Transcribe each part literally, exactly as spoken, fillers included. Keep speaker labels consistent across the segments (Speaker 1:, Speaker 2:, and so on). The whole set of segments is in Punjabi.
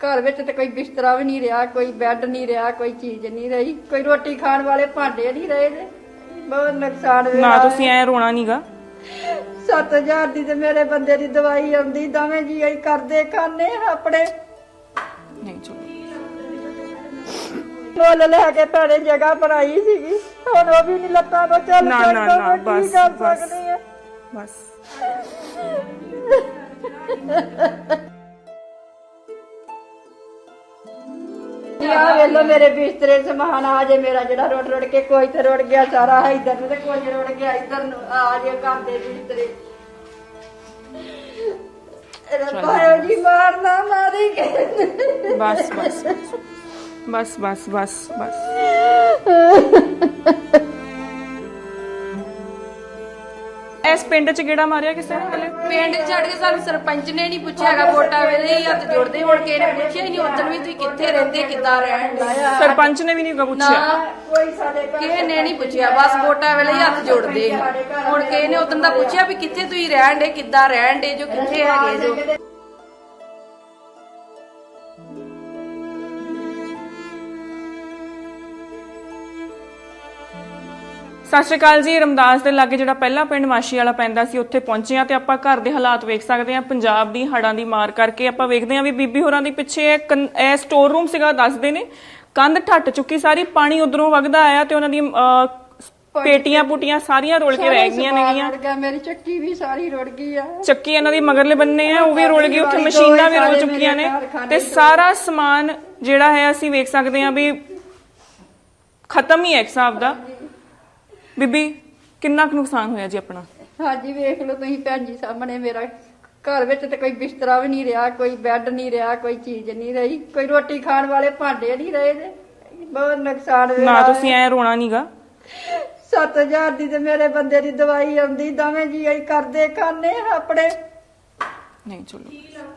Speaker 1: घर विच ते कोई बिस्तरा भी नहीं रहा, कोई बैड नहीं रहा, कोई चीज नहीं रही, कोई रोटी खाण वाले भांडे नहीं रहे जे। बहुत नुकसान
Speaker 2: ना तुसीं ऐ रोना नहींगा।
Speaker 1: सत्त हजार दी ते मेरे बंदे दी दवाई आउंदी, दोवें जी असीं करदे खाने अपने
Speaker 2: नहीं चलो
Speaker 1: मुੱਲ ਲੈ ਕੇ ਭੈਣੇ ਜਗ੍ਹਾ ਬਣਾਈ ਸੀਗੀ, ਹੁਣ ਉਹ ਵੀ ਨਹੀਂ ਲੱਤਾਂ ਤੋਂ ਚੱਲ
Speaker 2: ਨਾ ਨਾ
Speaker 1: ਸਕਦਾ।
Speaker 2: ਨਾ
Speaker 1: ਮੈਂ
Speaker 2: ਬਸ
Speaker 1: ਕੀ ਕਰ
Speaker 2: ਬਸ
Speaker 1: ਸਕਦੀ ਆ?
Speaker 2: बस
Speaker 1: यार वेलो मेरे बिस्तरे समान आ जे मेरा जड़ा रोड रोड के कोई तो रोड गया सारा है इधर तो कोई रोड गया इधर आ जे घर दे बिस्तरे भाई जी मारना मारी के
Speaker 2: बस बस बस बस बस बस इस पिंड च गेड़ा मारिया किसे ने?
Speaker 3: ਪਿੰਡ ਛੱਡ ਕੇ ਸਾਨੂੰ ਸਰਪੰਚ ਨੇ ਨਹੀਂ ਪੁੱਛਿਆ ਹੈਗਾ, ਵੋਟਾਂ ਵੇਲੇ ਹੀ ਹੱਥ ਜੋੜਦੇ, ਹੁਣ ਕਿਸੇ ਨੇ ਪੁੱਛਿਆ ਹੀ ਨਹੀਂ ਉਦੋਂ ਵੀ ਤੁਸੀਂ ਕਿੱਥੇ ਰਹਿੰਦੇ ਕਿੱਦਾਂ ਰਹਿਣ ਦੇ।
Speaker 2: सरपंच ने भी नहीं
Speaker 3: ਨਾ
Speaker 2: पूछा।
Speaker 1: कोई साडे घर
Speaker 3: ਕਿਸੇ ਨੇ ਨਹੀਂ ਪੁੱਛਿਆ, ਬਸ ਵੋਟਾਂ ਵੇਲੇ ਹੀ ਹੱਥ ਜੋੜਦੇ ਨੇ। ਹੁਣ ਕਿਸੇ ਨੇ ਉਦੋਂ ਦਾ ਪੁੱਛਿਆ ਵੀ ਕਿੱਥੇ ਤੁਸੀਂ ਰਹਿਣ ਦੇ ਕਿੱਦਾਂ ਰਹਿਣ ਦੇ ਜੋ ਕਿੱਥੇ ਹੈਗੇ ਜੋ।
Speaker 2: ਸਤਿ ਸ਼੍ਰੀ ਅਕਾਲ ਜੀ। ਰਮਦਾਸ ਦੇ ਲਾਗੇ ਜਿਹੜਾ ਪਹਿਲਾ ਪਿੰਡ ਮਾਸ਼ੀ ਵਾਲਾ ਪੈਂਦਾ ਸੀ ਉੱਥੇ ਪਹੁੰਚੇ ਆ ਤੇ ਆਪਾਂ ਘਰ ਦੇ ਹਾਲਾਤ ਵੇਖ ਸਕਦੇ ਆ। ਪੰਜਾਬ ਦੀ ਹੜਾਂ ਦੀ ਮਾਰ ਕਰਕੇ ਆਪਾਂ ਵੇਖਦੇ ਆ ਵੀ ਬੀਬੀ ਹੋਰਾਂ ਦੀ ਪਿੱਛੇ ਇਹ ਸਟੋਰ ਰੂਮ ਸੀਗਾ, ਦੱਸਦੇ ਨੇ ਕੰਧ ਠੱਟ ਚੁੱਕੀ ਸਾਰੀ, ਪਾਣੀ ਉਧਰੋਂ ਵਗਦਾ ਆਇਆ ਤੇ ਉਹਨਾਂ ਦੀ ਪੇਟੀਆਂ ਪੁਟੀਆਂ ਸਾਰੀਆਂ ਰੁੜ ਕੇ ਰਹਿ ਗਈਆਂ ਨੇਗੀਆਂ।
Speaker 1: ਰੁੜ ਗਿਆ, ਮੇਰੀ ਚੱਕੀ ਵੀ ਸਾਰੀ ਰੁੜ ਗਈ ਆ।
Speaker 2: ਚੱਕੀ ਇਹਨਾਂ ਦੀ ਮਗਰਲੇ ਬੰਨੇ ਆ ਉਹ ਵੀ ਰੁੜ ਗਈ, ਉੱਥੇ ਮਸ਼ੀਨਾਂ ਵੀ ਰੁੜ ਚੁੱਕੀਆਂ ਨੇ ਤੇ ਸਾਰਾ ਸਮਾਨ ਜਿਹੜਾ ਹੈ ਅਸੀਂ ਵੇਖ ਸਕਦੇ ਆ ਵੀ ਖਤਮ ਹੀ ਹੈ ਇੱਕ ਹਿਸਾਬ ਦਾ। ਬੀਬੀ ਕਿੰਨਾ ਕੁ ਨੁਕਸਾਨ ਹੋਇਆ ਜੀ ਆਪਣਾ?
Speaker 1: ਹਾਂਜੀ ਵੇਖ ਲਓ ਤੁਸੀਂ ਭੈਣ ਜੀ ਸਾਹਮਣੇ, ਮੇਰਾ ਘਰ ਵਿੱਚ ਤੇ ਕੋਈ ਬਿਸਤਰਾ ਵੀ ਨਹੀਂ ਰਿਹਾ, ਕੋਈ ਬੈੱਡ ਨਹੀਂ ਰਿਹਾ, ਕੋਈ ਚੀਜ਼ ਨਹੀਂ ਰਹੀ, ਕੋਈ ਰੋਟੀ ਖਾਣ ਵਾਲੇ ਭਾਂਡੇ ਨਹੀਂ ਰਹੇ ਜੇ। ਬਹੁਤ ਨੁਕਸਾਨ ਹੋਇਆ।
Speaker 2: ਨਾ ਤੁਸੀਂ ਐ ਰੋਣਾ ਨਹੀਂਗਾ।
Speaker 1: ਸੱਤ ਹਜ਼ਾਰ ਦੀ ਤੇ ਮੇਰੇ ਬੰਦੇ ਦੀ ਦਵਾਈ ਆਉਂਦੀ, ਦੋਵੇਂ ਜੀ ਅਸੀਂ ਕਰਦੇ ਖਾਣੇ ਆਪਣੇ।
Speaker 2: ਨਹੀਂ ਚਲੋ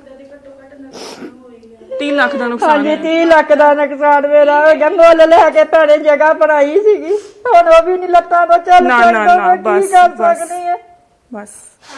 Speaker 2: ਤੀਹ ਲੱਖ ਦਾ ਨੁਕਸਾਨ
Speaker 1: ਹਾਂਜੀ
Speaker 2: ਹੈ।
Speaker 1: ਤੀਹ ਲੱਖ ਦਾ ਨੁਕਸਾਨ ਮੇਰਾ ਹੋ ਗਿਆ। ਮੁੱਲ ਲੈ ਕੇ ਭੈਣੇ ਜਗ੍ਹਾ ਬਣਾਈ ਸੀਗੀ, ਹੁਣ ਉਹ ਵੀ ਨਹੀਂ ਲੱਤਾਂ ਤੋਂ ਚੱਲ
Speaker 2: ਨਾ, ਨਾ,
Speaker 1: ਸਕਦਾ।
Speaker 2: ਨਾ,
Speaker 1: ਮੈਂ ਕੀ
Speaker 2: ਬਸ,
Speaker 1: ਕਰ
Speaker 2: ਬਸ।
Speaker 1: ਸਕਦੀ ਆ?
Speaker 2: ਬਸ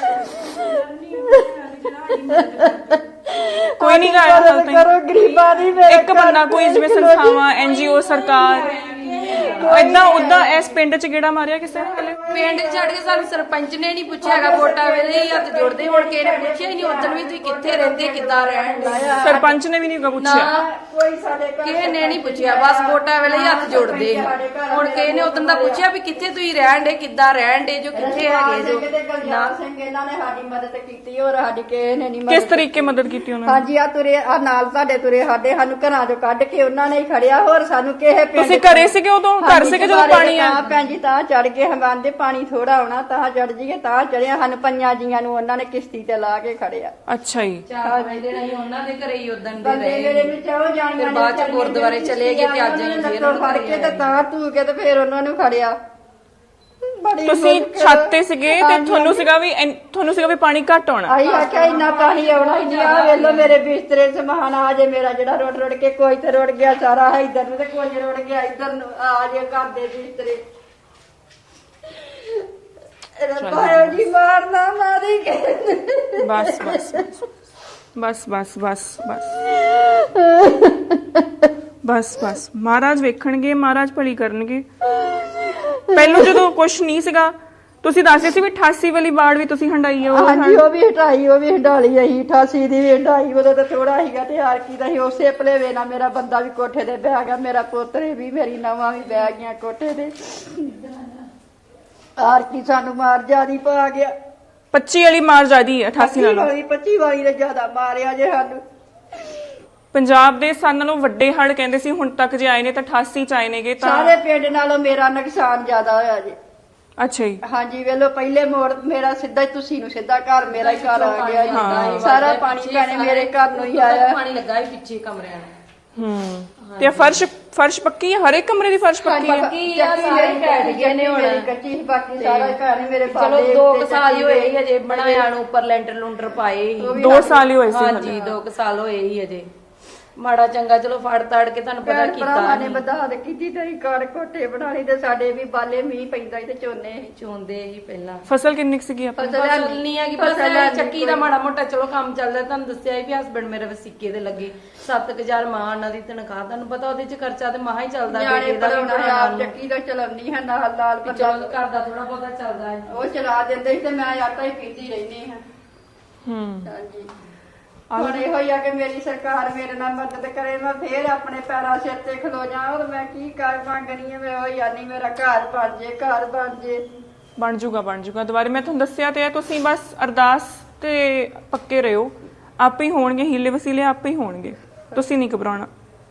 Speaker 2: ਕੋਈ ਨਹੀਂ ਗਾ ਹਾਲ ਤਾਈਂ।
Speaker 1: ਕਰੋ ਗਰੀਬਾਂ ਦੀ ਮੇਰੇ
Speaker 2: ਇੱਕ ਬੰਦਾ ਕੋਈ ਜਿਵੇਂ ਸੰਸਥਾਵਾਂ ਐਨਜੀਓ ਸਰਕਾਰ ਏਦਾਂ ਉਦਾਂ ਇਸ ਪਿੰਡ ਚ ਗੇੜਾ ਮਾਰਿਆ ਕਿਸੇ ਨੇ?
Speaker 3: ਪਿੰਡ ਛੱਡ ਕੇ ਸਾਨੂੰ ਸਰਪੰਚ ਨੇ ਨਹੀਂ ਪੁੱਛਿਆ ਹੈਗਾ, ਵੋਟਾਂ ਵੇਲੇ ਹੀ ਹੱਥ ਜੋੜਦੇ, ਹੁਣ ਕਿਸੇ ਨੇ ਪੁੱਛਿਆ ਹੀ ਨਹੀਂ ਉਦੋਂ ਵੀ ਤੁਸੀਂ ਕਿੱਥੇ ਰਹਿੰਦੇ ਕਿੱਦਾਂ ਰਹਿਣ ਦੇ।
Speaker 2: ਸਰਪੰਚ ਨੇ ਵੀ ਨਹੀਂ
Speaker 3: ਨਾ
Speaker 2: ਪੁੱਛਿਆ।
Speaker 1: ਕੋਈ ਸਾਡੇ ਘਰ
Speaker 3: ਕਿਸੇ ਨੇ ਨਹੀਂ ਪੁੱਛਿਆ, ਬਸ ਵੋਟਾਂ ਵੇਲੇ ਹੀ ਹੱਥ ਜੋੜਦੇ ਨੇ। ਹੁਣ ਕਿਸੇ ਨੇ ਉਦੋਂ ਦਾ ਪੁੱਛਿਆ ਵੀ ਕਿੱਥੇ ਤੁਸੀਂ ਰਹਿਣ ਦੇ ਕਿੱਦਾਂ ਰਹਿਣ ਦੇ ਜੋ ਕਿੱਥੇ ਹੈਗੇ ਜੋ।
Speaker 1: ਗੁਲਜ਼ਾਰ ਸਿੰਘ ਇਹਨਾਂ ਨੇ ਸਾਡੀ ਮਦਦ ਕੀਤੀ, ਹੋਰ ਸਾਡੀ ਕਿਸੇ ਨੇ ਨਹੀਂ
Speaker 2: ਕਿਸ
Speaker 1: ਮਦਦ।
Speaker 2: ਤਰੀਕੇ ਮਦਦ ਕੀਤੀ ਉਹਨਾਂ ਨੇ?
Speaker 1: ਹਾਂਜੀ ਆ ਤੁਰੇ ਆ ਨਾਲ ਸਾਡੇ ਤੁਰੇ ਸਾਡੇ, ਸਾਨੂੰ ਘਰਾਂ ਚੋਂ ਕੱਢ ਕੇ ਉਹਨਾਂ ਨੇ ਹੀ ਖੜਿਆ, ਹੋਰ ਸਾਨੂੰ ਕਿਸੇ ਪਿੰਡ
Speaker 2: ਤੁਸੀਂ ਘਰੇ ਸੀਗੇ ਉਦੋਂ? ਘਰ ਸੀਗੇ ਜਦੋਂ ਪਾਣੀ ਆ?
Speaker 1: ਤਾਂ ਭੈਣ ਜੀ ਤਾਂ ਚੜ ਕੇ ਹਮਾਂਦੇ ਪਾਣੀ ਥੋੜਾ ਆਉਣਾ ਤਾਂ ਚੜ ਜੀਏ, ਤਾਂ ਚੜਿਆ। ਸਾਨੂੰ ਪੰਜਾਂ ਜੀਆਂ ਨੂੰ ਉਹਨਾਂ ਨੇ ਕਿਸ਼ਤੀ ਤੇ ਲਾ ਕੇ ਖੜਿਆ।
Speaker 2: ਅੱਛਾ ਜੀ।
Speaker 3: ਚਾਰ ਵਜੇ ਨਹੀਂ ਉਹਨਾਂ ਦੇ ਘਰੇ ਹੀ ਉਦੋਂ ਦੇ
Speaker 1: ਬੰਦੇ ਮੇਰੇ
Speaker 3: ਰਹੇ।
Speaker 1: ਵਿੱਚ ਆਓ ਜਾਣੀਆਂ
Speaker 3: ਫਿਰ ਬਾਅਦ ਚ ਗੁਰਦੁਆਰੇ ਚਲੇ ਗਏ ਤੇ ਅੱਜ ਅਸੀਂ ਫੇਰ
Speaker 1: ਫੜ ਕੇ ਤੇ ਤਾਂ ਧੂ ਕੇ ਤੇ ਫੇਰ ਉਹਨਾਂ ਨੂੰ ਖੜਿਆ। ਬੜੀ
Speaker 2: ਤੁਸੀਂ
Speaker 1: ਮੁਸ਼ਕਿਲ।
Speaker 2: ਛੱਤ ਤੇ ਸੀਗੇ ਤੇ
Speaker 1: ਹਾਂਜੀ,
Speaker 2: ਤੁਹਾਨੂੰ ਸੀਗਾ ਵੀ ਐਨ- ਤੁਹਾਨੂੰ ਸੀਗਾ ਵੀ ਪਾਣੀ ਘੱਟ ਆਉਣਾ।
Speaker 1: ਆਈ ਆਖਿਆ ਇੰਨਾ ਪਾਣੀ ਆਉਣਾ ਹੀ ਨਹੀਂ। ਆ ਵੇਲੋ ਮੇਰੇ ਬਿਸਤਰੇ ਸਮਾਨ ਆ ਜੇ ਮੇਰਾ ਜਿਹੜਾ ਰੋੜ ਰੋੜ ਕੇ ਕੋਈ ਤੇ ਰੁੜ ਗਿਆ ਸਾਰਾ ਹੈ ਇਧਰ ਨੂੰ ਤੇ ਕੋਈ ਰੁੜ ਗਿਆ ਇਧਰ ਨੂੰ ਆ ਜੇ ਘਰ ਦੇ ਬਿਸਤਰੇ। ਰੱਬਾ ਜੀ ਮਾਰਨਾ ਮਾਰੀ ਕੇ
Speaker 2: ਬਸ ਬਸ ਬਸ ਬਸ ਬਸ ਬਸ ਬਸ ਬਸ ਮਹਾਰਾਜ ਵੇਖਣਗੇ, ਮਹਾਰਾਜ ਭਲੀ ਕਰਨਗੇ। ਪਹਿਲਾਂ ਜਦੋਂ ਕੁਛ ਨਹੀਂ ਸੀਗਾ ਤੁਸੀਂ ਦੱਸਦੇ ਸੀ ਵੀ ਅਠਾਸੀ ਵਾਲੀ ਬਾੜ ਵੀ ਤੁਸੀਂ ਹੰਡਾਈ ਆ।
Speaker 1: ਹਾਂਜੀ ਉਹ ਵੀ ਹਟਾਈ, ਉਹ ਵੀ ਹੰਡਾਲੀ ਅਸੀਂ ਅਠਾਸੀ ਦੀ ਵੀ ਹੰਡਾਈ। ਉਦੋਂ ਤਾਂ ਥੋੜਾ ਸੀਗਾ ਤੇ ਹਾਰ ਕੀ ਦਾ ਸੀ। ਉਸੇ ਭਲੇਵੇ ਨਾਲ ਮੇਰਾ ਬੰਦਾ ਵੀ ਕੋਠੇ ਤੇ ਬਹਿ ਗਿਆ, ਮੇਰਾ ਪੋਤਰੇ ਵੀ, ਮੇਰੀ ਨਵਾਂ ਵੀ ਬਹਿ ਗਈਆਂ ਕੋਠੇ ਤੇ। ਹਾਰ ਕੀ ਸਾਨੂੰ ਮਾਰ ਜਿਆਦੀ ਪਾ ਗਿਆ।
Speaker 2: ਪੱਚੀ ਵਾਲੀ ਮਾਰ ਜ਼ਿਆਦੀ ਹੈ ਅਠਾਸੀ ਨਾਲੋਂ।
Speaker 1: ਵਾਲੀ ਪੱਚੀ ਵਾਲੀ ਨੇ ਜ਼ਿਆਦਾ ਮਾਰਿਆ ਜੇ ਸਾਨੂੰ।
Speaker 2: ਪੰਜਾਬ ਦੇ ਸਾਰਿਆਂ ਨਾਲੋਂ ਵੱਡੇ ਹੜ੍ਹ ਕਹਿੰਦੇ ਸੀ ਹੁਣ ਤੱਕ ਜੇ ਆਏ ਨੇ ਤਾਂ ਅਠਾਸੀ ਚ ਆਏ ਨੇਗੇ ਤਾਂ।
Speaker 1: ਸਾਰੇ ਪਿੰਡ ਨਾਲੋਂ ਮੇਰਾ ਨੁਕਸਾਨ ਜ਼ਿਆਦਾ ਹੋਇਆ ਜੇ।
Speaker 2: ਅੱਛਾ ਜੀ।
Speaker 1: ਹਾਂਜੀ ਵੇਲੋ ਪਹਿਲੇ ਮੋੜ ਮੇਰਾ ਸਿੱਧਾ ਹੀ ਤੁਸੀਂ ਨੂੰ ਸਿੱਧਾ ਘਰ ਮੇਰਾ ਹੀ ਘਰ ਆ ਗਿਆ ਜੀ। ਸਾਰਾ ਪਾਣੀ ਭੈਣੇ ਮੇਰੇ ਘਰ ਨੂੰ ਹੀ ਆਇਆ।
Speaker 3: ਪਾਣੀ ਲੱਗਾ ਹੀ ਪਿੱਛੇ ਕਮਰਿਆਂ ਨੂੰ।
Speaker 2: ਹੂੰ ਤੇ ਫਰਸ਼ ਫਰਸ਼ ਪੱਕੀ ਹੈ? ਹਰ ਇੱਕ ਕਮਰੇ ਦੀ ਫਰਸ਼ ਪੱਕੀ ਹੈ?
Speaker 3: ਕੀ ਆ ਸਾਰੇ ਘਟ ਗਏ ਨੇ ਹੁਣ।
Speaker 1: ਮੇਰੀ ਕੱਚੀ ਸੀ, ਬਾਕੀ ਸਾਰਾ ਘਰ ਹੀ ਮੇਰੇ
Speaker 3: ਚਲੋ
Speaker 1: ਬਾਲੇ
Speaker 3: ਦੋ
Speaker 1: ਉੱਤੇ
Speaker 3: ਕੁ ਸਾਲ ਹੀ ਹੋਏ ਹੀ ਅਜੇ ਬਣਾਇਆ ਨੂੰ, ਉੱਪਰ ਲੈਂਟਰ ਲੂੰਟਰ ਪਾਏ ਹੀ।
Speaker 2: ਦੋ ਸਾਲ ਹੀ ਹੋਏ ਸੀ।
Speaker 3: ਹਾਂਜੀ ਦੋ ਕੁ ਸਾਲ ਹੋਏ ਹੀ ਅਜੇ ਮਾੜਾ ਚੰਗਾ ਚਲੋ ਫੜ ਤਾੜ ਕੇ ਤੁਹਾਨੂੰ ਪਤਾ
Speaker 1: ਭੈਣ ਭਰਾਵਾਂ ਨੇ
Speaker 3: ਕੀਤਾ
Speaker 1: ਵਧਾ ਦੇ ਕੀਤੀ ਤੇ ਘਰ ਕੋਠੇ ਬਣਾ ਲਈ ਤੇ ਸਾਡੇ ਵੀ ਬਾਲੇ ਮੀਂਹ ਪੈਂਦਾ ਸੀ ਤੇ ਝੋਨੇ
Speaker 3: ਚੋਂਦੇ ਹੀ ਪਹਿਲਾਂ
Speaker 2: ਫਸਲ ਕਿੰਨੀ ਕੁ ਸੀਗੀ ਆਪਣੀ?
Speaker 1: ਫਸਲ
Speaker 3: ਫਸਲ ਨਹੀਂ ਹੈਗੀ ਬਸ
Speaker 1: ਫਸਲ
Speaker 3: ਇਹ
Speaker 1: ਹੈਨੀ
Speaker 3: ਚੱਕੀ ਦਾ ਮਾੜਾ ਮੋਟਾ ਚਲੋ ਕੰਮ ਚੱਲਦਾ ਤੁਹਾਨੂੰ ਦੱਸਿਆ ਸੀ ਵੀ ਹਸਬੰਡ ਮੇਰੇ ਵਸਿੱਕੇ ਦੇ ਲੱਗੇ ਸੱਤ ਹਜ਼ਾਰ ਮਾਂ ਉਹਨਾਂ ਦੀ ਤਨਖਾਹ ਤੁਹਾਨੂੰ ਪਤਾ ਉਹਦੇ ਚ ਖਰਚਾ ਤੇ ਮਹਾ ਹੀ ਚੱਲਦਾ
Speaker 1: ਨਿਆਣੇ
Speaker 3: ਬੇਟੇ ਦਾ ਵੀ
Speaker 1: ਪੜਾਉਣਾ
Speaker 3: ਪੜ੍ਹਾਉਣਾ
Speaker 1: ਆਪ ਚੱਕੀ ਦਾ ਚਲਾਉਣੀ ਹੈ ਨਾਲ ਨਾਲ
Speaker 3: ਵੀ
Speaker 1: ਬੰਦਾ
Speaker 3: ਚਲੋ ਘਰ ਦਾ ਥੋੜਾ ਬਹੁਤਾ ਚੱਲਦਾ ਹੈ
Speaker 1: ਉਹ ਚਲਾ ਦਿੰਦੇ ਸੀ ਤੇ ਮੈਂ ਆਟਾ ਹੀ ਪੀਂਦੀ ਰਹਿੰਦੀ ਹਾਂ
Speaker 2: ਹੂੰ
Speaker 1: ਹਾਂਜੀ ਹੁਣ ਇਹੋ ਹੀ ਆ ਕਿ ਮੇਰੀ ਸਰਕਾਰ ਮੇਰੇ ਨਾਲ ਮਦਦ ਕਰੇ ਮੈਂ ਫੇਰ ਆਪਣੇ ਪੈਰਾਂ ਸਿਰ ਤੇ ਖਲੋ ਜਾ ਔਰ ਮੈਂ ਕੀ ਕਰ ਮੰਗਣੀ ਹੈ ਮੈਂ ਉਹ ਯਾਨੀ ਮੇਰਾ ਘਰ ਬਣ ਜੇ ਘਰ ਬਣ ਜੇ
Speaker 2: ਬਣ ਜੂਗਾ ਬਣ ਜੂਗਾ ਦੁਬਾਰੇ ਮੈਂ ਤੁਹਾਨੂੰ ਦੱਸਿਆ ਤੇ ਹੈ, ਤੁਸੀਂ ਬਸ ਅਰਦਾਸ ਤੇ ਪੱਕੇ ਰਹੋ, ਆਪੇ ਹੀ ਹੋਣਗੇ ਹੀਲੇ ਵਸੀਲੇ ਆਪੇ ਹੀ ਹੋਣਗੇ, ਤੁਸੀਂ ਨਹੀਂ ਘਬਰਾਉਣਾ।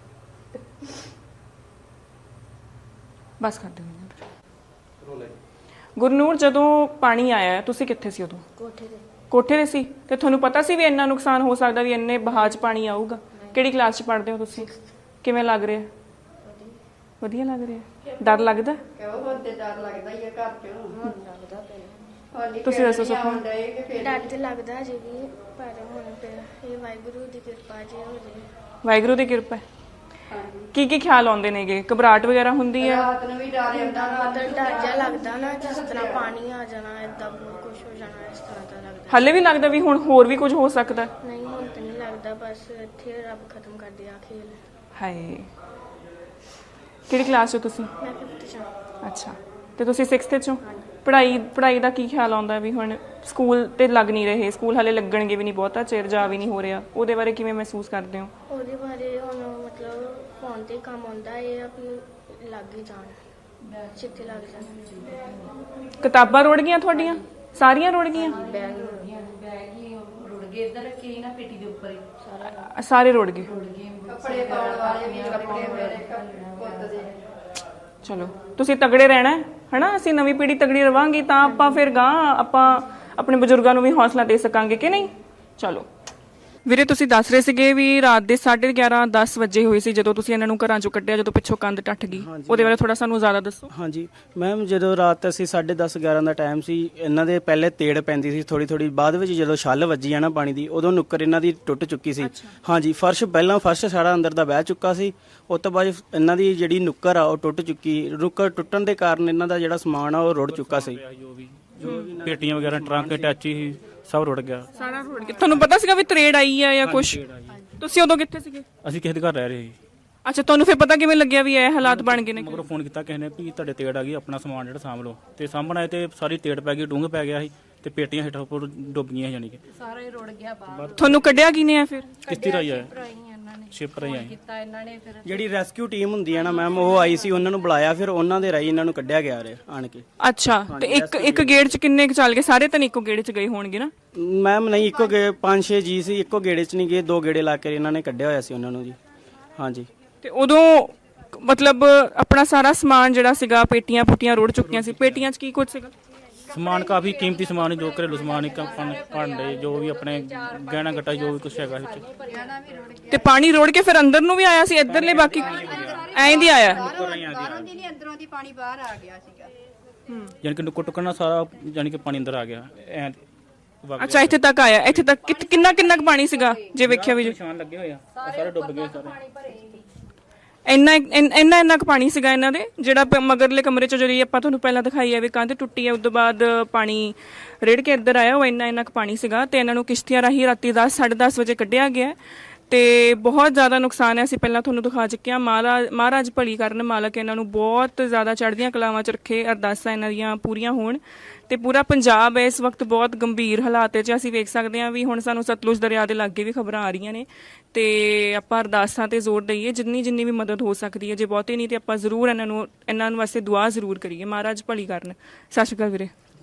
Speaker 2: ਬਸ ਕਰ ਦਿਓ। ਗੁਰਨੂਰ, ਜਦੋਂ ਪਾਣੀ ਆਇਆ ਤੁਸੀਂ ਕਿੱਥੇ ਸੀ ਉਦੋਂ?
Speaker 4: ਕੋਠੇ ਤੇ
Speaker 2: ਕੋਠੇ ਤੇ ਸੀ। ਤੇ ਤੁਹਾਨੂੰ ਪਤਾ ਸੀ ਵੀ ਇੰਨਾ ਨੁਕਸਾਨ ਹੋ ਸਕਦਾ, ਵੀ ਇੰਨੇ ਬਹਾਅ 'ਚ ਪਾਣੀ ਆਊਗਾ? ਕਿਹੜੀ ਕਲਾਸ 'ਚ ਪੜ੍ਹਦੇ ਹੋ ਤੁਸੀਂ? ਕਿਵੇਂ ਲੱਗ ਰਿਹਾ? ਵਧੀਆ ਲੱਗ ਰਿਹਾ। ਡਰ ਲੱਗਦਾ?
Speaker 1: ਕਿਉਂ ਹੁਣ ਤੇ ਡਰ ਲੱਗਦਾ ਹੀ ਆ ਘਰ ਚੋਂ
Speaker 4: ਲੱਗਦਾ ਪਿਆ
Speaker 1: ਹੋਲੀ
Speaker 2: ਤੁਸੀਂ ਦੱਸੋ
Speaker 1: ਖੇਡਣੀ
Speaker 2: ਸੁਪਨਾ।
Speaker 1: ਆਉਣ ਡਏ ਕਿ ਫਿਰ
Speaker 4: ਡਰ ਤੇ ਲੱਗਦਾ ਜੀ ਵੀ ਪਰ ਹੁਣ ਪਿਆ ਇਹ ਵਾਹਿਗੁਰੂ ਦੀ ਕਿਰਪਾ ਜੀ ਹੋ ਜੇ
Speaker 2: ਵਾਹਿਗੁਰੂ ਦੀ ਕਿਰਪਾ ਹੈ।
Speaker 1: ਹਾਂਜੀ
Speaker 2: ਕੀ ਕੀ ਖਿਆਲ ਆਉਂਦੇ ਨੇਗੇ? ਘਬਰਾਹਟ ਵਗੈਰਾ ਹੁੰਦੀ ਹੈ?
Speaker 1: ਰਾਤ ਨੂੰ ਵੀ ਡਰ ਆਉਂਦਾ ਰਾਤ
Speaker 4: ਮਤਲਬ ਡਰ ਜਿਹਾ ਲੱਗਦਾ ਨਾ, ਜਿਸ ਤਰ੍ਹਾਂ ਪਾਣੀ ਆ ਜਾਣਾ ਏਦਾਂ ਬਹੁਤ ਕੁਝ ਹੋ ਜਾਣਾ, ਇਸ ਤਰ੍ਹਾਂ ਦਾ ਲੱਗਦਾ।
Speaker 2: ਹੱਲੇ ਵੀ ਲੱਗਦਾ ਵੀ ਹੁਣ ਹੋਰ ਵੀ ਕੁਝ ਹੋ ਸਕਦਾ?
Speaker 4: ਨਹੀਂ ਹੁਣ ਤਾਂ ਨਹੀਂ ਲੱਗਦਾ, ਬਸ ਇੱਥੇ ਰੱਬ ਖਤਮ ਕਰ ਦਿਆ ਖੇਲ।
Speaker 2: ਹਾਏ, ਕਿਹੜੀ ਕਲਾਸ 'ਚ ਹੋ ਤੁਸੀਂ?
Speaker 4: ਮੈਂ ਫਿਫਥ ਚ
Speaker 2: ਅੱਛਾ, ਤੇ ਤੁਸੀਂ ਸਿਕਸਥ 'ਚੋਂ? ਪੜ੍ਹਾਈ ਪੜ੍ਹਾਈ ਦਾ ਕੀ ਖਿਆਲ ਆਉਂਦਾ ਵੀ ਹੁਣ ਸਕੂਲ ਤੇ ਲੱਗ ਨਹੀਂ ਰਹੇ, ਸਕੂਲ ਹਲੇ ਲੱਗਣਗੇ ਵੀ ਨਹੀਂ, ਬਹੁਤਾ ਚਿਰ ਜਾ ਵੀ ਨਹੀਂ ਹੋ ਰਿਹਾ, ਉਹਦੇ ਬਾਰੇ ਕਿਵੇਂ ਮਹਿਸੂਸ ਕਰਦੇ ਹੋ?
Speaker 4: ਉਹਦੇ ਬਾਰੇ ਹੁਣ ਮਤਲਬ ਫੋਨ ਤੇ ਕੰਮ ਆਉਂਦਾ, ਇਹ ਆ ਵੀ ਲੱਗ ਹੀ ਜਾਣ, ਛੇਤੀ ਲੱਗ ਜਾਣ।
Speaker 2: ਕਿਤਾਬਾਂ ਰੁੜ ਗਈਆਂ ਤੁਹਾਡੀਆਂ? ਸਾਰੀਆਂ ਰੁੜ ਗਈਆਂ?
Speaker 3: ਬੈਗ ਰੁੜ ਗਿਆ ਬੈਗ ਹੀ ਰੁੜ ਗਏ ਇੱਧਰ ਰੱਖੀ ਸੀ ਨਾ ਪੇਟੀ ਦੇ ਉੱਪਰ ਹੀ ਸਾਰਾ
Speaker 2: ਸਾਰੇ ਰੁੜ ਗਏ।
Speaker 3: ਰੁੜ ਗਏ
Speaker 1: ਕੱਪੜੇ ਪਾਉਣ ਵਾਲੇ ਵੀ ਕੱਪੜੇ ਮੇਰੇ ਪੁੱਤ ਦੇ।
Speaker 2: ਚਲੋ, ਤੁਸੀਂ ਤਗੜੇ ਰਹਿਣਾ ਹੈ ਹਨਾ, ਅਸੀਂ ਨਵੀਂ ਪੀੜ੍ਹੀ ਤਗੜੀ ਰਵਾਂਗੀ ਤਾਂ ਆਪਾਂ ਫਿਰ ਗਾਂ ਆਪਾਂ ਆਪਣੇ ਬਜ਼ੁਰਗਾਂ ਨੂੰ ਵੀ ਹੌਸਲਾ ਦੇ ਸਕਾਂਗੇ ਕਿ ਨਹੀਂ? ਚਲੋ ਵੀਰੇ, ਤੁਸੀਂ ਦੱਸ ਰਹੇ ਸੀਗੇ ਵੀ ਰਾਤ ਦੇ ਸਾਢੇ ਗਿਆਰਾਂ ਦਸ ਵਜੇ ਹੋਏ ਸੀ ਜਦੋਂ ਤੁਸੀਂ ਇਹਨਾਂ ਨੂੰ ਘਰਾਂ ਚੋਂ ਕੱਢਿਆ, ਜਦੋਂ ਪਿੱਛੋਂ ਕੰਧ ਟੱਟ ਗਈ, ਉਹਦੇ ਬਾਰੇ ਥੋੜਾ ਸਾਨੂੰ ਜ਼ਿਆਦਾ ਦੱਸੋ।
Speaker 5: ਹਾਂਜੀ ਮੈਮ, ਜਦੋਂ ਰਾਤ ਅਸੀਂ ਸਾਢੇ ਦਸ ਗਿਆਰਾਂ ਦਾ ਟਾਈਮ ਸੀ, ਇਹਨਾਂ ਦੇ ਪਹਿਲੇ ਤੇੜ ਪੈਂਦੀ ਸੀ ਥੋੜੀ ਥੋੜੀ, ਬਾਅਦ ਵਿੱਚ ਜਦੋਂ ਛੱਲ ਵੱਜੀ ਆ ਨਾ ਪਾਣੀ ਦੀ, ਉਦੋਂ ਨੁੱਕਰ ਇਹਨਾਂ ਦੀ ਟੁੱਟ ਚੁੱਕੀ ਸੀ। ਹਾਂਜੀ, ਫਰਸ਼ ਪਹਿਲਾਂ ਫਰਸ਼ ਸਾਰਾ ਅੰਦਰ ਦਾ ਬਹਿ ਚੁੱਕਾ ਸੀ, ਉਸ ਤੋਂ ਬਾਅਦ ਇਹਨਾਂ ਦੀ ਜਿਹੜੀ ਨੁੱਕਰ ਆ ਉਹ ਟੁੱਟ ਚੁੱਕੀ। ਨੁੱਕਰ ਟੁੱਟਣ ਦੇ ਕਾਰਨ ਇਹਨਾਂ ਦਾ ਜਿਹੜਾ ਸਮਾਨ ਆ ਉਹ ਰੁੜ ਚੁੱਕਾ ਸੀ।
Speaker 6: ਜੋ ਵੀ ਜੋ ਵੀ ਪੇਟੀਆਂ ਵਗੈਰਾ ਟਰੰਕ ਟੈਚੀ ਸੀ ਸਭ ਰੁੜ ਗਿਆ।
Speaker 2: ਸਾਰਾ ਰੁੜ ਗਿਆ। ਤੁਹਾਨੂੰ ਪਤਾ ਸੀਗਾ ਵੀ ਤਰੇੜ ਆਈ ਆ ਜਾਂ ਕੁਝ? ਤੁਸੀਂ ਉਦੋਂ ਕਿੱਥੇ ਸੀਗੇ?
Speaker 6: ਅਸੀਂ ਕਿਸੇ ਦੇ ਘਰ ਰਹਿ ਰਹੇ ਸੀ,
Speaker 2: ਅੱਛਾ, ਤੁਹਾਨੂੰ ਫਿਰ ਪਤਾ ਕਿਵੇਂ ਲੱਗਿਆ ਵੀ ਇਹ ਹਾਲਾਤ ਬਣ ਗਏ ਨੇ?
Speaker 6: ਮਗਰੋਂ ਫੋਨ ਕੀਤਾ ਕਿਸੇ ਨੇ ਵੀ ਤੁਹਾਡੇ ਤੇੜ ਆ ਗਈ, ਆਪਣਾ ਸਮਾਨ ਜਿਹੜਾ ਸਾਂਭ ਲਓ, ਤੇ ਸਾਂਭਣਾ ਤੇ ਸਾਰੀ ਤੇੜ ਪੈ ਗਈ, ਡੂੰਘ ਪੈ ਗਿਆ ਸੀ ਤੇ ਪੇਟੀਆਂ ਹੇਠਾਂ ਉੱਪਰ ਡੁੱਬ ਗਈਆਂ, ਯਾਨੀ ਕਿ
Speaker 3: ਸਾਰਾ ਹੀ ਰੁੜ ਗਿਆ ਬਾਹਰ
Speaker 2: ਤੁਹਾਨੂੰ ਕੱਢਿਆ ਕਿਨੇ ਆ ਫਿਰ?
Speaker 6: ਕਿਸ਼ਤੀ ਰਾਈ ਆਇਆ,
Speaker 3: ਭਰਾਈ ਇਹਨਾਂ ਨੇ
Speaker 6: ਸ਼ਿਪ ਰਾਈ ਆਈ।
Speaker 3: ਕੀਤਾ ਇਹਨਾਂ ਨੇ ਫਿਰ
Speaker 5: ਜਿਹੜੀ ਰੈਸਕਿਊ ਟੀਮ ਹੁੰਦੀ ਹੈ ਨਾ ਮੈਮ, ਉਹ ਆਈ ਸੀ, ਉਹਨਾਂ ਨੂੰ ਬੁਲਾਇਆ, ਫਿਰ ਉਹਨਾਂ ਦੇ ਰਾਹੀਂ ਇਹਨਾਂ ਨੂੰ ਕੱਢਿਆ ਗਿਆ ਰੇ ਆਣ ਕੇ।
Speaker 2: ਅੱਛਾ, ਤੇ ਇੱਕ ਇੱਕ ਗੇੜ 'ਚ ਕਿੰਨੇ ਕੁ ਚੱਲ ਗਏ? ਸਾਰੇ ਤਾਂ ਨਹੀਂ ਇੱਕੋ ਗੇੜ 'ਚ ਗਏ ਹੋਣਗੇ ਨਾ?
Speaker 5: ਮੈਮ ਨਹੀਂ, ਇੱਕੋ ਗੇ ਪੰਜ ਛੇ ਜੀ ਸੀ, ਇੱਕੋ ਗੇੜੇ 'ਚ ਨਹੀਂ ਗਏ, ਦੋ ਗੇੜੇ ਲਾ ਕੇ ਇਹਨਾਂ ਨੇ ਕੱਢਿਆ ਹੋਇਆ ਸੀ ਉਹਨਾਂ ਨੂੰ ਜੀ। ਹਾਂਜੀ,
Speaker 2: ਤੇ ਉਦੋਂ ਮਤਲਬ ਆਪਣਾ ਸਾਰਾ ਸਮਾਨ ਜਿਹੜਾ ਸੀਗਾ, ਪੇਟੀਆਂ ਪੁੱਟੀਆਂ ਰੁੜ ਚੁੱਕੀਆਂ ਸੀ, ਪੇਟੀਆਂ 'ਚ ਕੀ ਕੁਝ ਸੀਗਾ?
Speaker 6: ਸਮਾਨ ਕਾਫੀ ਕੀਮਤੀ ਸਮਾਨ ਜੋ ਘਰੇਲੂ ਸਮਾਨ ਇੱਕ ਭਾਂਡੇ, ਜੋ ਵੀ ਆਪਣੇ ਗਹਿਣਾ ਗੱਟਾ ਜੋ ਵੀ ਕੁਛ ਹੈਗਾ ਵਿੱਚ।
Speaker 2: ਤੇ ਪਾਣੀ ਰੋੜ ਕੇ ਫਿਰ ਅੰਦਰ ਨੂੰ ਵੀ ਆਇਆ ਸੀ? ਇੱਧਰਲੇ ਬਾਕੀ ਐਂ ਦੀ ਆਇਆ?
Speaker 1: ਬਾਹਰੋਂ ਦੀ ਨਹੀਂ ਅੰਦਰੋਂ ਦੀ ਪਾਣੀ ਬਾਹਰ ਆ ਗਿਆ ਸੀਗਾ।
Speaker 6: ਯਾਨੀ ਕਿ ਨੁੱਕਰ ਟੁੱਕਣਾ ਸਾਰਾ, ਯਾਨੀ ਕਿ ਪਾਣੀ ਅੰਦਰ ਆ ਗਿਆ ਐ।
Speaker 2: ਅੱਛਾ, ਇੱਥੇ ਤੱਕ ਆਇਆ। ਇੱਥੇ ਤੱਕ ਕਿਤ- ਕਿੰਨਾ ਕਿੰਨਾ ਕੁ ਪਾਣੀ ਸੀਗਾ ਜੇ ਵੇਖਿਆ ਵੀ?
Speaker 6: ਨਿਸ਼ਾਨ ਲੱਗੇ ਹੋਏ ਆ, ਉਹ ਸਾਰੇ ਡੁੱਬ ਗਏ ਸਾਰੇ।
Speaker 2: ਇੰਨਾ ਇੰਨਾ ਇੰਨਾ ਕੁ ਪਾਣੀ ਸੀਗਾ ਇਹਨਾਂ ਦੇ, ਜਿਹੜਾ ਪ- ਮਗਰਲੇ ਕਮਰੇ 'ਚ ਜਿਹੜੀ ਆਪਾਂ ਤੁਹਾਨੂੰ ਪਹਿਲਾਂ ਦਿਖਾਈ ਹੈ ਵੀ ਕੰਧ ਟੁੱਟੀ ਹੈ, ਉਸ ਤੋਂ ਬਾਅਦ ਪਾਣੀ ਰੇੜ ਕੇ ਇੱਧਰ ਆਇਆ, ਉਹ ਇੰਨਾ ਇੰਨਾ ਕੁ ਪਾਣੀ ਸੀਗਾ। ਤੇ ਇਹਨਾਂ ਨੂੰ ਕਿਸ਼ਤੀਆਂ ਰਾਹੀਂ ਰਾਤੀ ਦਸ ਸਾਢੇ ਦਸ ਵਜੇ ਕੱਢਿਆ ਗਿਆ ਤੇ ਬਹੁਤ ਜ਼ਿਆਦਾ ਨੁਕਸਾਨ ਹੈ। ਅਸੀਂ ਪਹਿਲਾਂ ਤੁਹਾਨੂੰ ਦਿਖਾ ਚੁੱਕੇ ਹਾਂ। ਮਹਾਰਾਜ ਮਹਾਰਾਜ ਭਲੀ ਕਰਨ, ਮਾਲਕ ਇਹਨਾਂ ਨੂੰ ਬਹੁਤ ਜ਼ਿਆਦਾ ਚੜ੍ਹਦੀਆਂ ਕਲਾਵਾਂ 'ਚ ਰੱਖੇ, ਅਰਦਾਸਾਂ ਇਹਨਾਂ ਦੀਆਂ ਪੂਰੀਆਂ ਹੋਣ। ਤੇ ਪੂਰਾ ਪੰਜਾਬ ਇਸ ਵਕਤ ਬਹੁਤ ਗੰਭੀਰ ਹਾਲਾਤ 'ਚ ਅਸੀਂ ਵੇਖ ਸਕਦੇ ਹਾਂ ਵੀ ਹੁਣ ਸਾਨੂੰ ਸਤਲੁਜ ਦਰਿਆ ਦੇ ਲਾਗੇ ਵੀ ਖਬਰਾਂ ਆ ਰਹੀਆਂ ਨੇ, ਤੇ ਆਪਾਂ ਅਰਦਾਸਾਂ ਤੇ ਜ਼ੋਰ ਦਈਏ, ਜਿੰਨੀ ਜਿੰਨੀ ਵੀ ਮਦਦ ਹੋ ਸਕਦੀ ਹੈ। ਜੇ ਬਹੁਤੀ ਨਹੀਂ ਤੇ ਆਪਾਂ ਜ਼ਰੂਰ ਇਹਨਾਂ ਨੂੰ ਇਹਨਾਂ ਨੂੰ ਵਾਸਤੇ ਦੁਆ ਜ਼ਰੂਰ ਕਰੀਏ, ਮਹਾਰਾਜ ਭਲੀ ਕਰਨ। ਸਤਿ ਸ਼੍ਰੀ ਅਕਾਲ ਵੀਰੇ।